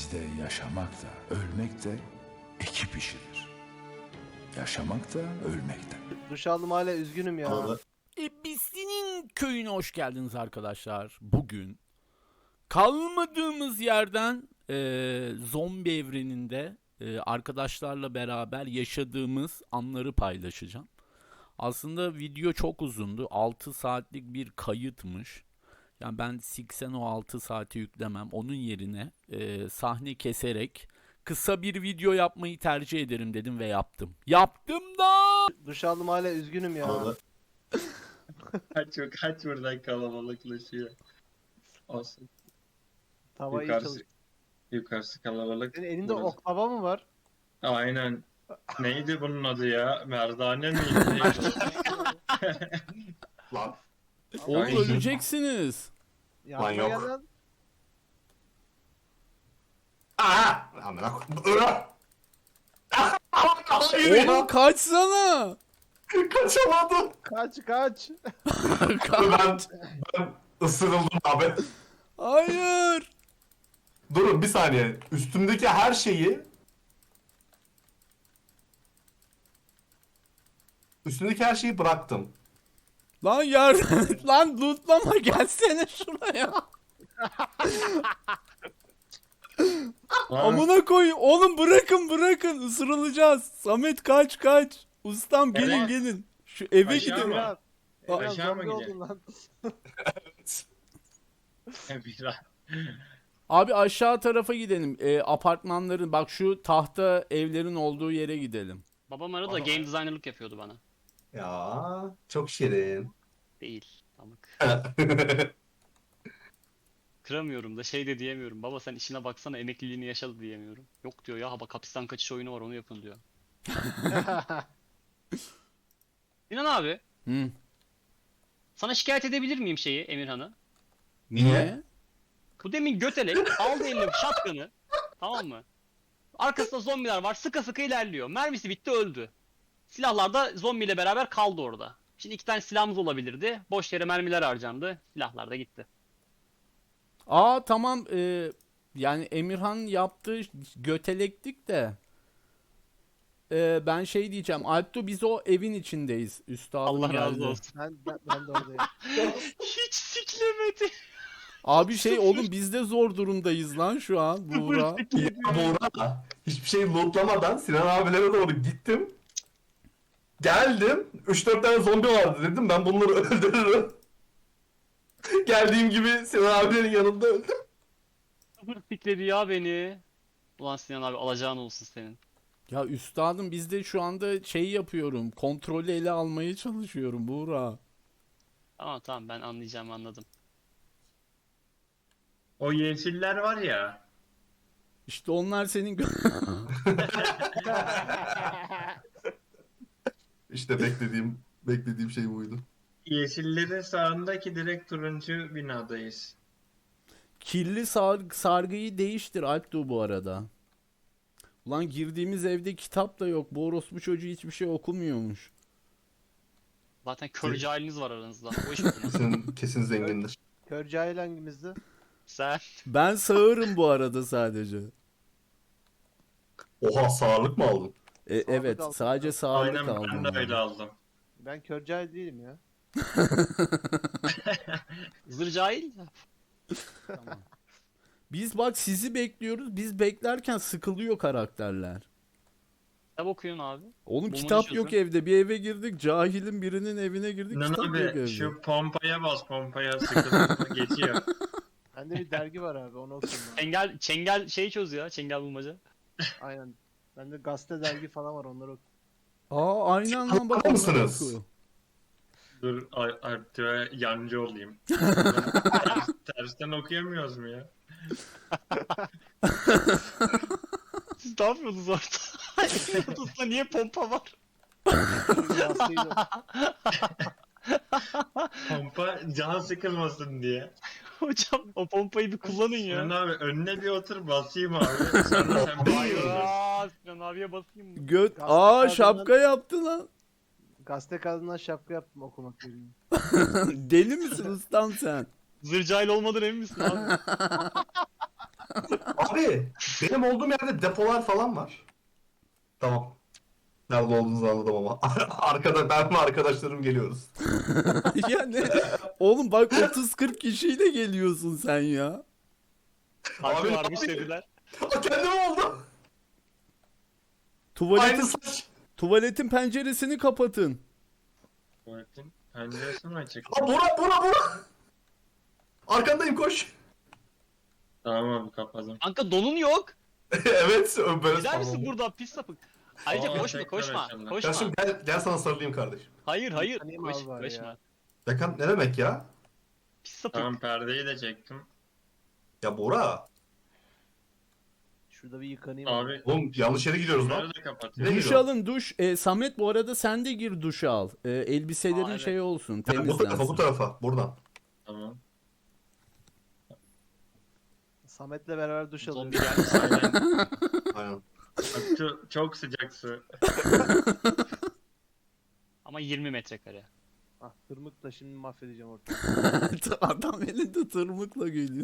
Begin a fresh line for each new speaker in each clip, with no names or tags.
Bizde yaşamak da ölmek de ekip işidir. Yaşamak da ölmek de.
Duş aldım hala üzgünüm ya.
Ebisi'nin köyüne hoş geldiniz arkadaşlar. Bugün kalmadığımız yerden zombi evreninde arkadaşlarla beraber yaşadığımız anları paylaşacağım. Aslında video çok uzundu. 6 saatlik bir kayıtmış. Yani ben Sixen o 6 saati yüklemem. Onun yerine sahne keserek kısa bir video yapmayı tercih ederim dedim ve yaptım. Yaptım da!
Duş aldım hala üzgünüm ya.
Kaç buradan kalabalıklaşıyor. Olsun.
Tava iyi
Yukarısı,
çalış.
yukarısı kalabalık.
Senin elinde
burası.
oklava mı var?
Aynen. Neydi bunun adı ya? Merdane miydi? Neydi?
Lan.
Oğlum
Ay.
öleceksiniz.
Yardıma
yok.
gel lan.
Aa! Amına koyayım.
Oğlum kaçsana.
Kaçamadım.
Kaç.
Ben ısırıldım abi.
Hayır.
Durun bir saniye. Üstümdeki her şeyi bıraktım.
Lan lan lootlama gelsene şuraya. Amına koy. Oğlum bırakın ısırılacağız. Samet kaç. Ustam gelin
Evet.
gelin. Şu eve
Aşağı
gidelim.
mı?
Biraz. Biraz
Aşağı mı
zombi
gidelim?
oldun lan.
Biraz.
Abi aşağı tarafa gidelim. Apartmanların bak şu tahta evlerin olduğu yere gidelim.
Babam arada game designerlık yapıyordu bana.
Ya çok şirin.
Değil. Amık. Kıramıyorum da şey de diyemiyorum. Baba sen işine baksana emekliliğini yaşadı diyemiyorum. Yok diyor ya bak hapisten kaçış oyunu var onu yapın diyor. İnan abi
Hı.
sana şikayet edebilir miyim şeyi Emirhan'ı?
Niye?
Bu demin götelek aldı eline shotgun'ı. Tamam mı? Arkasında zombiler var sıka sıka ilerliyor. Mermisi bitti öldü. Silahlar da zombiyle beraber kaldı orada. Şimdi 2 tane silahımız olabilirdi. Boş yere mermiler harcandı. Silahlar da gitti.
Aa tamam yani Emirhan yaptığı götelektik de ben şey diyeceğim. Alptu biz o evin içindeyiz. Üstadım
Allah razı
geldi.
olsun.
Ben de oradayım.
Hiç siklemedi.
Abi şey oğlum biz de zor durumdayız lan şu an Buğra.
Ya Buğra, hiçbir şey lootlamadan Sinan abilere doğru gittim. Geldim. 3-4 tane zombi vardı dedim. Ben bunları öldürürüm. Geldiğim gibi Sinan abilerin yanında öldüm.
Sıfır sikledi ya beni. Ulan Sinan abi alacağın olsun senin.
Ya üstadım biz de şu anda şey yapıyorum. Kontrolü ele almaya çalışıyorum Buğra.
Tamam ben anlayacağım anladım.
O yeşiller var ya.
İşte onlar senin
İşte beklediğim şey buydu.
Yeşillerin sağındaki direkt turuncu binadayız.
kirli sargıyı değiştir Alptu bu arada. Ulan girdiğimiz evde kitap da yok. Bu orospu çocuğu hiçbir şey okumuyormuş.
Zaten kör cahiliniz var aranızda. O iş bitmez.
Kesin zengindir.
Kör cahil hangimizdi?
Sen
Ben sağırım bu arada sadece.
Oha sağırlık mı aldın?
Evet
aldım.
sadece sağırlık
Aynen
aldım.
ben de öyle
ben.
aldım.
Ben kör cahil değilim ya.
zır cahil.
Tamam. Biz bak sizi bekliyoruz. Biz beklerken sıkılıyor karakterler.
Kitap okuyun abi.
Oğlum
Bulmaca
kitap
çözün.
yok evde. Bir eve girdik. Cahilin birinin evine girdik.
Sinan
Kitap yok evde.
abi şu pompaya bas, pompaya sıkıntı geçiyor.
Bende bir dergi var abi onu okuyayım ben.
Çengel şeyi çöz ya. Çengel bulmaca.
Aynen. Bende gazete dergi falan var onları okuyayım.
Aa aynen lan bak.
Bakar mısınız?
oku.
Dur artık yancı olayım. Tersten okuyamıyoruz mu ya?
Siz ne yapıyorsunuz orada? Evin odasında niye pompa var?
Gazeteyi de-
Pompa can sıkılmasın diye.
Hocam o pompayı bir kullanın
Sinan
ya.
abi önüne bir otur basayım abi. Sonra sen bir
Aa, Sinan abiye basayım mı?
Göt.
Gazete
Aa
kağıdından-
şapka yaptı lan.
Gazete kağıdından şapka yaptım okumak yerine.
Deli misin ustam sen?
Zır cahil olmadan emin misin abi?
Abi Benim olduğum yerde depolar falan var. Tamam. Nerede olduğunuzu anladım ama. Arkada ben ve arkadaşlarım geliyoruz.
Ya ne? Oğlum bak 30-40 kişiyle geliyorsun sen ya.
Harbi
Abi,
varmış
abi.
dediler.
Kendim oldum. Aynı
Tuvaletin,
saç.
tuvaletin penceresini kapatın.
Tuvaletin penceresini açık.
Aa, Bora. Arkandayım koş.
Tamam abi kapadım.
Kanka donun yok.
Evet böyle
Gider misin
sandım.
burada pis sapık? Ayrıca
Aa,
koşma
tekrar
koşma.
açıldı.
Koşma.
Kardeşim gel sana sarılayım kardeşim.
Hayır hayır.
Yıkanayım abi bari
Koşma.
ya.
Yakan ne demek ya?
Pis sapık.
Tamam perdeyi de çektim.
Ya Bora.
Şurada bir yıkanayım.
Abi
Oğlum yanlış yere gidiyoruz lan.
bunları da kapatayım.
Ne
Duş
geliyor?
alın duş. Samet bu arada sen de gir duşa al. Elbiselerin
Aa, evet.
şey olsun,
Ya, bu tarafa
temizlensin.
bu tarafa buradan.
Tamam.
Samet'le beraber duş
Zombi
alıyoruz.
gelmiş zaten.
Aynen.
Bak, çok sıcak su.
Ama 20 metrekare.
Ah tırmıkla şimdi mahvedeceğim ortalığı.
Adam elinde tırmıkla geliyor.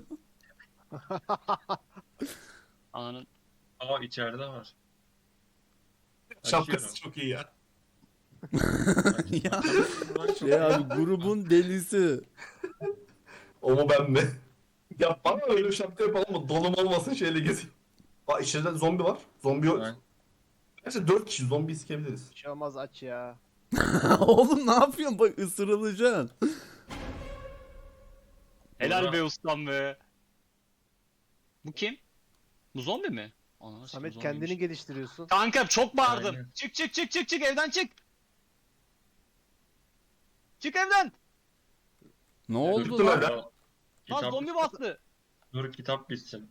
Ananın.
Aa içeride var.
Şapkası
Açıyorum.
çok iyi ya.
Ya şey abi grubun delisi.
O mu ben mi? Ya bana öyle bir şapka yapalım mı? Donum olmasın şeyle gezeyim. Aa içeride zombi var. Zombi yok.
Ben-
Gerçi 4 kişi zombi sikebiliriz.
Bir şey olmaz aç ya.
Oğlum ne yapıyorsun? Bak ısırılacaksın.
Helal
Bora.
be ustam be. Bu kim? Bu zombi mi? Ananı
Samet
sikeyim,
kendini
zombiymiş.
geliştiriyorsun.
Kanka çok bağırdım.
Aynen.
Çık evden çık. Çık evden.
Ne oldu
Çıktım
lan?
evden.
Lan
Kitap-
zombi bastı.
Dur kitap bitsin.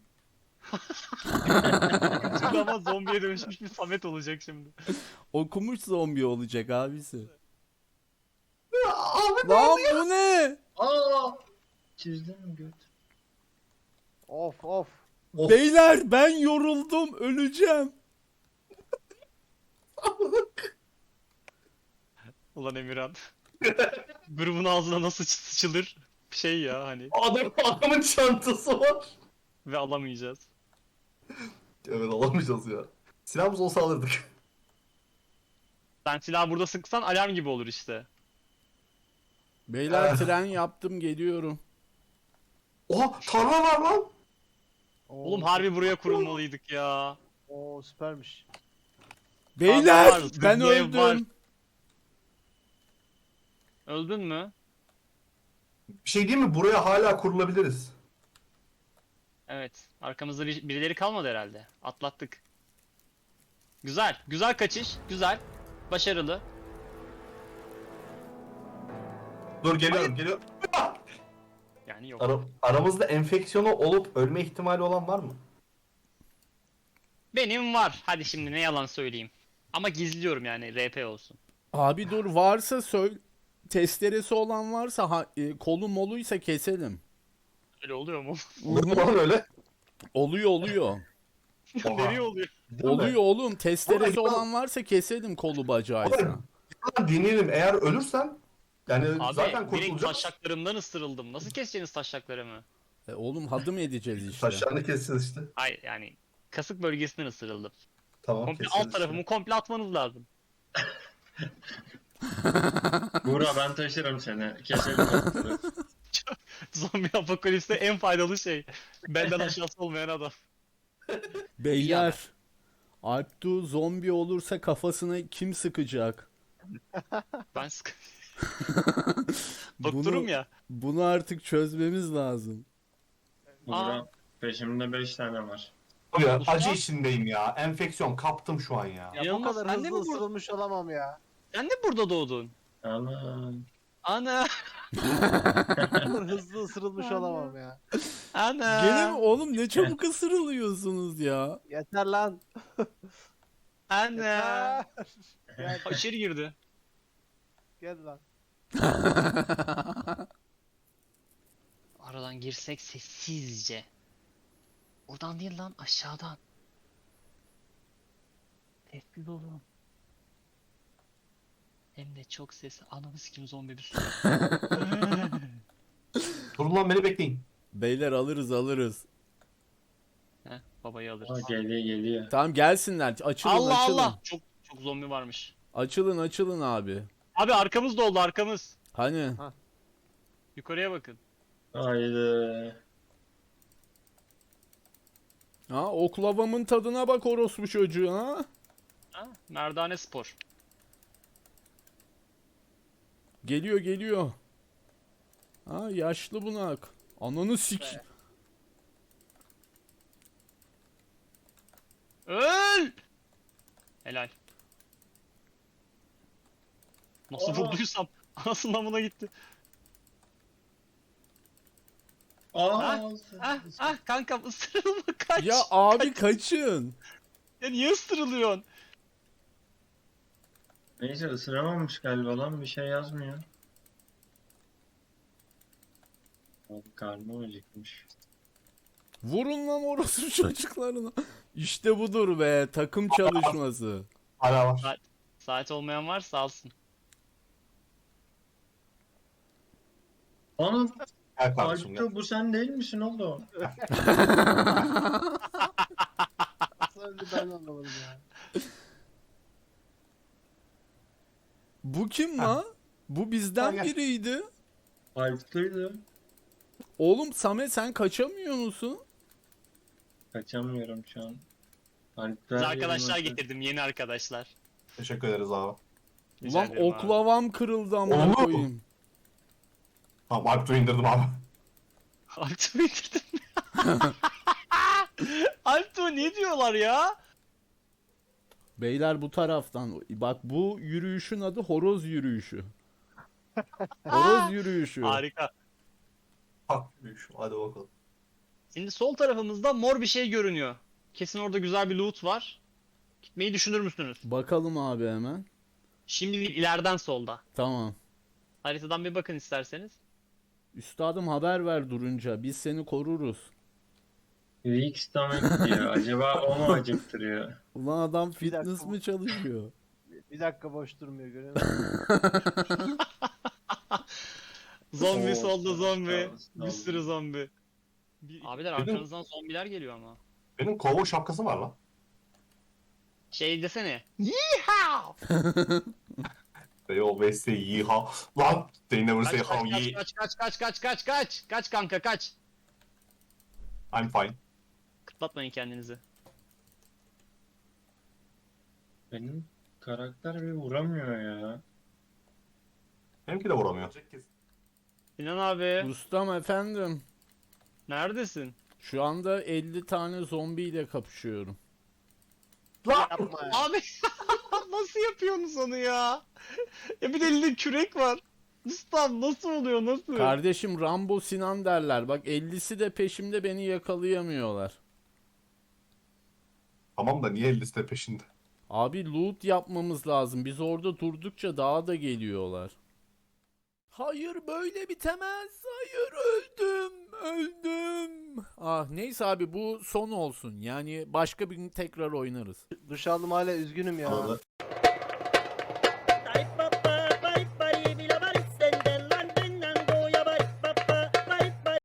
Çünkü ama zombiye dönüşmüş bir Samet olacak şimdi.
Okumuş zombi olacak abisi.
Abi
Lan bu ne?
Aa! Çizdin mi göt?
Of.
Of.
Beyler ben yoruldum öleceğim.
Ulan Emirhan. Grubun ağzına nasıl sıçılır? Şey ya hani.
Adamın çantası var.
Ve alamayacağız.
Evet alamayacağız ya. Silahımız olsa alırdık.
Sen silahı burada sıksan alarm gibi olur işte.
Beyler tren yaptım geliyorum.
Oha tarla var lan.
Oğlum harbi buraya kurulmalıydık ya.
Oo süpermiş.
Beyler
var,
ben
hızlı ev var.
öldüm.
Öldün mü?
Bir şey değil mi? Buraya hala kurulabiliriz.
Evet. Arkamızda birileri kalmadı herhalde. Atlattık. Güzel. Güzel kaçış. Güzel. Başarılı.
Dur geliyorum.
Yani yok.
Aramızda enfeksiyonu olup ölme ihtimali olan var mı?
Benim var. Hadi şimdi ne yalan söyleyeyim. Ama gizliyorum yani RP olsun.
Abi dur varsa söyle. Testeresi olan varsa kolu moluysa keselim.
Öyle oluyor mu?
Olur mu lan öyle?
Oluyor.
Nereye oluyor?
Değil mi?
Oluyor oğlum. Testeresi
Oğlum,
olan varsa keselim kolu bacağıysa.
Oğlum, Deneyelim. Eğer ölürsen yani
Abi
zaten
direkt
kurtulacağız.
taşaklarımdan ısırıldım. Nasıl keseceksiniz taşaklarımı?
Oğlum hadım edeceğiz işte.
Saçlarını keseceğiz işte.
Hayır yani kasık bölgesinden ısırıldım.
Tamam
Komple
keseceğiz
alt tarafımı
işte.
komple atmanız lazım.
Buğra ben taşırım seni. Keselim otları.
Zombi apokalipste en faydalı şey. Benden aşağısı olmayan adam.
Beyler. Alptu zombi olursa kafasına kim sıkacak?
Ben doktorum
Bunu-
ya.
Bunu artık çözmemiz lazım.
Buğra peşimde 5 tane var.
Ya,
Usta?
acı içindeyim ya. Enfeksiyon kaptım şu an ya.
Ya bu
İnanılmaz,
kadar
sen de
hızlı
mi bu-
ısırılmış olamam ya.
Sen de burada doğdun.
Aman.
Ana.
Bu kadar hızlı ısırılmış olamam ya.
Ana.
Gene mi oğlum ne çabuk ısırılıyorsunuz ya.
Yeter lan.
Ana.
Yeter. Gel,
Ha, İçeri girdi.
gel lan.
Aradan girsek sessizce. Oradan değil lan aşağıdan. Sessiz olun. Hem de çok sesli. Ananı sikim zombi bir sürü.
Durun lan beni bekleyin.
Beyler alırız.
Heh, babayı
Aa,
alırız.
geliyor.
Tamam gelsinler. Açılın
Allah
açılın.
Allah. Çok zombi varmış.
Açılın abi.
Abi arkamız doldu arkamız.
Hani?
Yukarıya bakın.
Haydi.
Ha oklavamın tadına bak orospu çocuğu ha.
Ha? Merdane Spor.
Geliyor. Ha yaşlı bunak. Ananı sik.
Öl! Helal. Nasıl
Aa.
vurduysam anasından buna gitti.
Aa,
Kankam ısırılma kaç.
Ya abi kaçın.
Ya niye ısırılıyorsun?
neyse ısıramamış galiba lan, bir şey yazmıyor. Abi karnım acıkmış.
Vurun lan orospu çocuklarına. İşte budur be takım çalışması.
Hala var.
Saat olmayan varsa alsın.
Ana
Gel kardeşim gel.
Alpto, bu sen değil misin oğlum?
Nasıl öldü ben de anlamadım ya.
Bu kim lan? Bu bizden
Gel.
biriydi.
Alpto'ydu.
Oğlum Samet sen kaçamıyor musun?
Kaçamıyorum şu an. Alpto
Biz
her
arkadaşlar
yerime-
getirdim yeni arkadaşlar.
Teşekkür ederiz abi.
Rica
Ulan
ederim abi.
oklavam kırıldı amına
Oğlum.
koyayım.
Tamam Alptuğ'u indirdim abi.
Alptuğ'u indirdim. Alptuğ ne diyorlar ya?
Beyler bu taraftan. Bak bu yürüyüşün adı horoz yürüyüşü. Horoz yürüyüşü.
Harika.
Hak hadi bakalım.
Şimdi sol tarafımızda mor bir şey görünüyor. Kesin orada güzel bir loot var. Gitmeyi düşünür müsünüz?
Bakalım abi hemen.
Şimdi değil, ileriden solda.
Tamam.
Haritadan bir bakın isterseniz.
Üstadım haber ver durunca. Biz seni koruruz.
Weak stomach diyor. Acaba o mu acıktırıyor?
Ulan adam
Bir
fitness
dakika.
mı çalışıyor?
Bir dakika boş durmuyor görüyor musun?
Zombi
Oo,
solda
sağ-
zombi.
sağ-
Bir sürü zombi. Abiler
Benim-
arkanızdan zombiler geliyor ama.
Benim kovboy şapkası var lan.
Şey desene. Yeehaw!
They always say yeehaw. Lan they never say how ye.
Kaç kanka kaç.
I'm fine.
Kıtlatmayın kendinizi.
Benim karakter bir vuramıyor ya.
Benimki de vuramıyor.
Sinan abi
Ustam efendim.
neredesin?
Şu anda 50 tane zombiyle kapışıyorum.
Yapma ya.
Abi nasıl yapıyorsunuz onu ya? Ya bir de elinde kürek var. Ustam nasıl oluyor nasıl?
Kardeşim Rambo Sinan derler. Bak 50'si de peşimde beni yakalayamıyorlar.
Tamam da niye liste peşinde?
Abi loot yapmamız lazım. Biz orada durdukça daha da geliyorlar. Hayır böyle bitemez. Hayır öldüm. Ah neyse abi bu son olsun. Yani başka bir gün tekrar oynarız.
Duş aldım hala üzgünüm ya.
Arada